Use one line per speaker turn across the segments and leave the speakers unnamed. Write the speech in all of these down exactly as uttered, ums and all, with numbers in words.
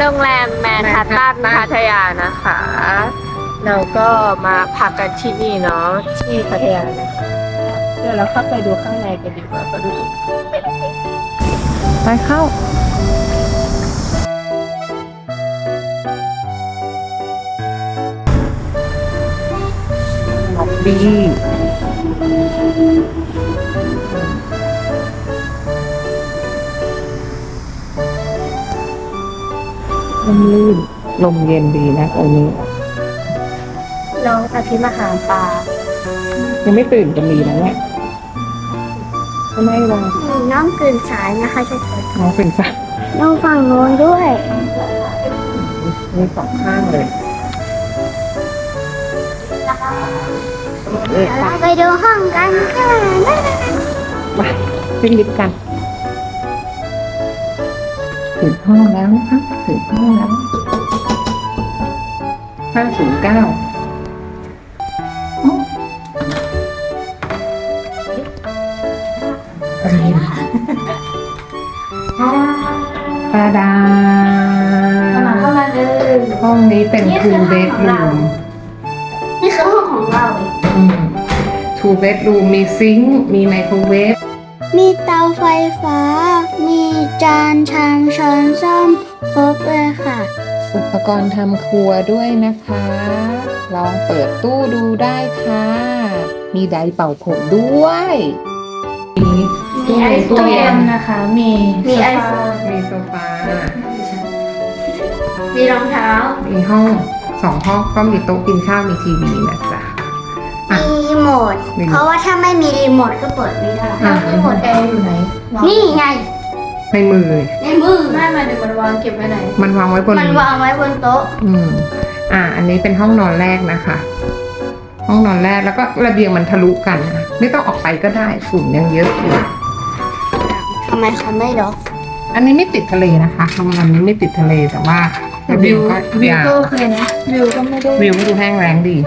รงแรมแมนฮัตตันพัทยานะคะ เราก็มาพักกันที่นี่เนาะที่พัทยานะคะเดี๋ยวเราเข้าไปดูข้างในกันดีกว่าก็ดูไปเข้าล็อบบี้ลมลื่นลมเย็นดีนะตรงนี้น้องอาทิมาหาปลายังไม่ตื่นจะมีนะเนี่ยไม่วาง
น้องตื่นสายนะคะช่วย
น้องเป็นสัตว์
น้องฝั่งโน้นด้วย
มีสองข้างเลยเออ
เราไปดูห้องกันค่ะ
ไปขึ้นลิฟต์กันถึงห้องแล้วนะคะถึงห้องแล้วห้าศูนย์เก้าปาดาเข้ามาเลยห้องนี้เป็น two bedroom
นี่คือห้องของเรา
อืม two bedroom มีซิงค์มีไมโครเวฟ
มีเตาไฟฟ้า มีจานชามช้อนส้อมครบเลยค่ะ
อุปกรณ์ทำครัวด้วยนะคะ ลองเปิดตู้ดูได้ค่ะ มีไดร์เป่าผมด้วย มีตู้เย็นตู้เย็น
นะคะ มี
มีไอโฟน
มีโซฟา
มีรองเท้า
มีห้องสองห้องก็มีโต๊ะกินข้าวมีทีวีนะจ๊ะ อ่ะ
มีรีโมท
รีโมท
เพราะว่าถ้าไม่มีรีโมทก็เปิดไม่ได้
อ่ะ
รีโมทแอร์อยู่ไหนวาง
นี่ไง
ในมือ
ในมือ
ไม่มาเดี๋ยวมันวางเก็บไว้ไหน
มันวางไว้บน
มันวางไว้บนโต๊ะ
อืม อ่า อันนี้เป็นห้องนอนแรกนะคะ ห้องนอนแรกแล้วก็ระเบียงมันทะลุกันนะไม่ต้องออกไปก็ได้ฝุ่นยังเยอะอยู่
ทำไมเขาไม่ล็อก
อันนี้ไม่ติดทะเลนะคะโรงแรมนี้ไม่ติดทะเลแต่ว่าระเบี
วิ
ยง
ว
ก็
วิวย
าว
ก็โอเคนะ วิวก็ไม่ได้
วิวก็ดูแห้งแล้งดี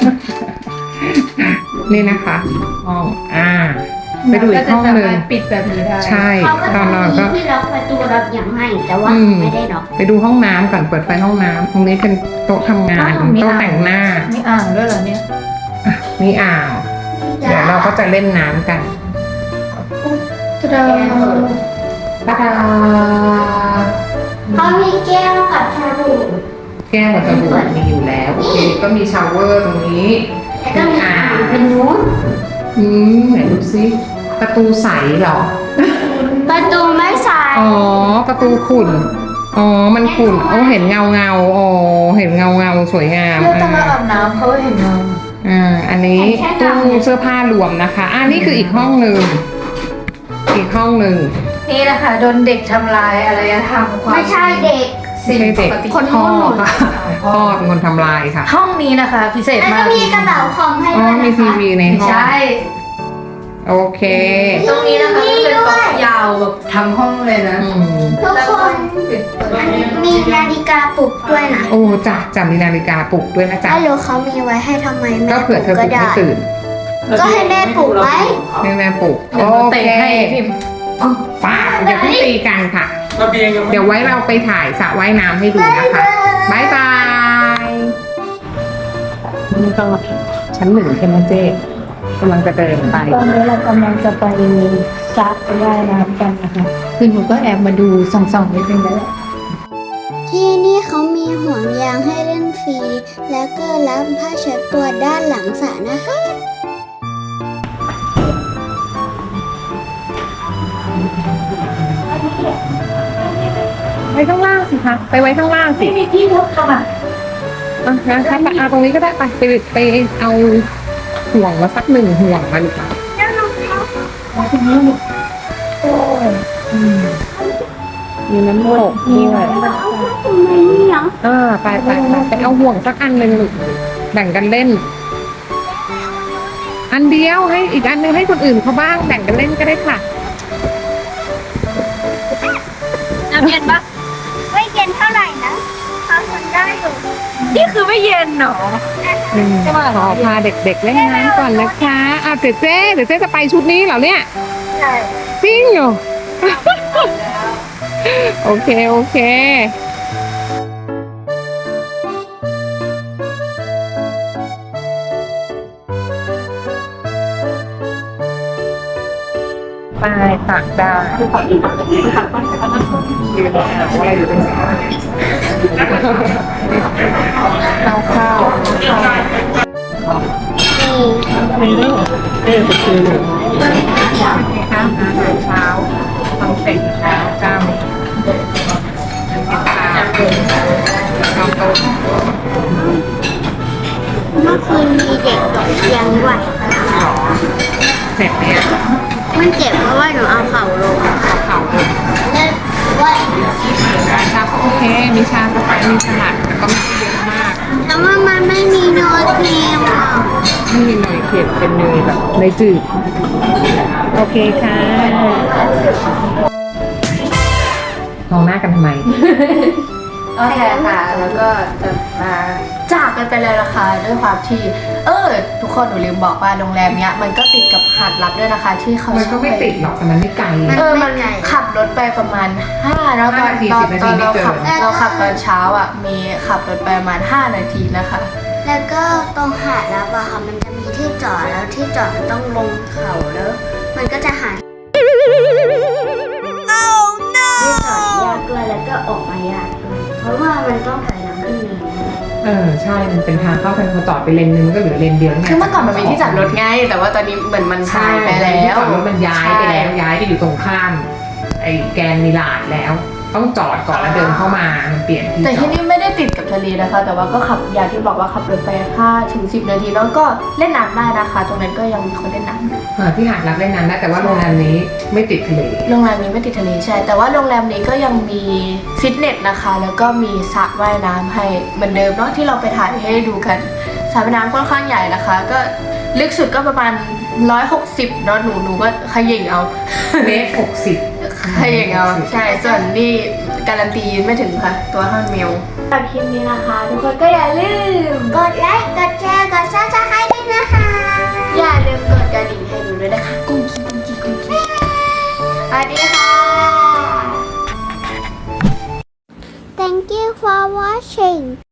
นี่นะคะห้องอ่า ไปดูอีกห้องหนึ่ง
ก็จะสามารถปิดแบบนี้ได้
ใช่
เขาก็
ตอนนอนก็
มีที่ล็อกประตูล็อกอย่างให้แต่ว่า
อืม
ไม่ได้ล็อก
ไปดูห้องน้ำก่อนเปิดไฟห้องน้ำตรงนี้เป็นโต๊ะทำงาน
อ้าวมี
โต๊ะ
อ่าง
แต่งหน้า
มีอ่างด้วยเหรอเนี่ย
อ่ะมีอ่าง เดี๋ยวเราก็จะเล่นน้ำกัน
จะได้
ตาดา
เขามีแก้วกับชาบู
แก้วกับสบู่มีอยู่แล้วโอเคก็มีชาวเวอร์ตรงนี้
แล้วก็มีอ่างเป็นนู้น
อืมไหนดูซิประตูใสเหรอ
ประตูไม่ใส่
อ๋อ ประตูขุ่น อ๋อ มันขุ่นโอ้เห็นเงาเงาอ๋อ เห็นเงาเงาสวยงาม
แล้วตอน
อ่า
เราอาบน้ำเขาเห็นเรา
อ่า อันนี้ตู้เสื้อผ้ารวมนะคะ อ่านี่คืออีกห้องหนึ่ง อีกห้องหนึ่ง
นี่แหละค่ะโดนเด็กทำลายอารยธรรมความ
ไม่ใช่เด็ก
สิ่ง
ไม่ใช่เด็ก
ปกติ
คน
พ่อ
นู่น
ค่ะพ่อเป็นคนทำลายค่ะ
ห้องนี้นะคะ พิเศษ
แล้ว
มา
ก็
ก
มีกระเป๋าของให้
อ๋อ
ด้วย
มี
นะ
ที
คะ
วีใน
ไม่
ห้อง
ใช่
โอเค
ตรงนี้นะคะก็เป็นโต๊ะยาวแบบทั้งห้องเลยนะ
อืม
ทุกคน
ปิดเปิด
มีนาฬิกาปลุกด้วยนะ
โอ้จ้ะจำมีนาฬิกาปลุกด้วยนะจ๊ะ
ไม่รู้เขามีไว้ให้ทำไมแม่
ก็
ป
เผื่
ลุ
อก เธอป
ก็
ลุก
ได้
ไม่ตื่น
ก็ให้แม่ปลุกไว้
ให้แม่ปลุก
เดี๋ยว
โอ
เรา
เค
เตะให้พิมพ์
ป้าอย่าเพิ่งตีกันค่ะ
ระเบียงยังไม่
เดี๋ยวไว้เราไปถ่ายสระว่ายน้ำให้ดูนะคะบายบายนี่ก็ชั้นหนึ่งใช่ไหมเจ๊กำลังจะเดินไป
ตอนนี้เรากำลังจะไปสระว่ายน้ำกันนะคะ คือหนูก็แอบมาดูส่องๆนิดนึงแล้วแหละ
ที่นี่เขามีห่วงยางให้เล่นฟรี แล้วก็รับผ้าเช็ดตัวด้านหลังสระนะคะ
ไว้ข้างล่างสิคะ ไปไว้ข้างล่างสิ
ไม่มีที่มุดเข้ามา
อ่ะนะคะไปเอาตรงนี้ก็ได้ไปไปไปเอาห่วงมาสักหนึ่งห่วงมาดีกว่าอืมมีน้ำตกด้วย
ทำไมนี่ยัง
อ่าไปไปไปไปเอาห่วงสักอันหนึ่งลูกแบ่งกันเล่น อันเดียวให้อีกอันหนึงให้คนอื่นเขาบ้างแบ่งกันเล่นก็ได้ค่ะ
น้ำเย็นปะ
ไม่เย็นเท่าไหร่นะเขาทนได้อยู่
นี่คือไม่เย็นหรอ
อืมขอพาเด็กๆเล่นน้ำก่อนนะคะอ้าวเจ๊เจ๊เดี๋ยวเจ๊จะไปชุดนี้เหรอเนี่ย
ใช่
จริงเหรอ โอเค โอเคปลายตักได้ยืนหนาวอะไรอยู่ตรงนี้เอาข้าวมีด้วยเออไปซื้อข้าวอาหารเช้าทำเสร็จแล้วเจ้าข้าวต้ม
เมื่อคืนมีเด็กตกเตียงด้วย
เสร็จเนี่ย
มันเจ็บเพราะว่าหนูเอาเข่าลง
เข่าลง
แล้วว่า
ชาก็โอเค มีชากาแฟมีสลัดแต่ก็ไม่ได้เยอะมาก
แต่ว่ามันไม่มีโน้ตเนมอ่ะ
ไม่มีเนยเค็มเป็นเนยแบบเนยจืด โอเคค่ะมองหน้ากันทำไม
โอเคค่ะ แล้วก็จะมาจากกันไปเลยนะคะด้วยความที่ เออ ทุกคนหนูลืมบอกว่าโรงแรมเนี้ยมันก็ติดกับหาดลับด้วยนะคะ ที่เขา
มันก็ไม่ติดหรอกแต่มันไม่ไกล
เออมันขับรถไปประมาณห้าแล้วตอน
ห้านาที
ตอน
สิบนาที
ตอนเรา
ไม่เกิน
ขับเราขับตอนเช้าอ่ะมีขับรถไปประมาณห้านาทีนะคะ
แล้วก็ตรงหาดแล้วอะค่ะมันจะมีที่จอดแล้วที่จอดมันต้องลงเขาแล้ว มันก็จะหาที่จอดยากด้วยแล้วก็ออกมายากด้วยเพราะว่ามันต้องถอยหลังขึ้นเนิน
เออใช่มันเป็นทางเข้าทางพอจอดไปเลนนึงมันก็เหลือเลนเดียวไง
คือเมื่อก่อนมันมีที่จอดรถไงแต่ว่าตอนนี้เหมือนมัน
ใช่
หายไปแล้
ที่
ว
จอดรถมันย้ายไปแล้วย้ายไปอยู่ตรงข้าม ไอ้แกนมิลาดแล้ว ต้องจอดก่อนแล้วเดินเข้ามามันเปลี่ยนที่
แต่
จอ
ที่
ด
นี่ไม่ได้ติดกับทะเลนะคะ แต่ว่าก็ขับอย่างที่บอกว่าขับรถไปห้าถึงสิบนาทีแล้วก็เล่นน้ำได้นะคะ ตรงนั้นก็ยังมีคนเล่นน้ำ
เออที่หาดรักเล่นน้ำได้แต่ว่าโรงแรมนี้ไม่ติดทะเล
โรงแรมนี้ไม่ติดทะเลใช่ แต่ว่าโรงแรมนี้ก็ยังมีฟิตเนสนะคะ แล้วก็มีสระว่ายน้ำให้เหมือนเดิมเนาะที่เราไปถ่ายให้ดูกันสระว่ายน้ำค่อนข้างใหญ่นะคะ ก็ลึกสุดก็ประมาณร้อยหกสิบเนาะหนูหนูก็ขย่งเอา
เมตรหกสิบ
ขย่งเอาใช่ส่วนนี่การันตียืนไม่ถึงค่ะ ตัวห้ามิลสำหรับคลิปนี้นะคะ ทุกคนก็อย่าลืม
กดไลค์ กดแชร์ กดซับสไครต์ด้วยนะคะ
อย่าลืมกดกระดิ่งให้หนูด้วยนะคะกุ้งกิ้งกุ้งกิ้งกุ้งกิ้งสวัสดีค่ะ
Thank you for watching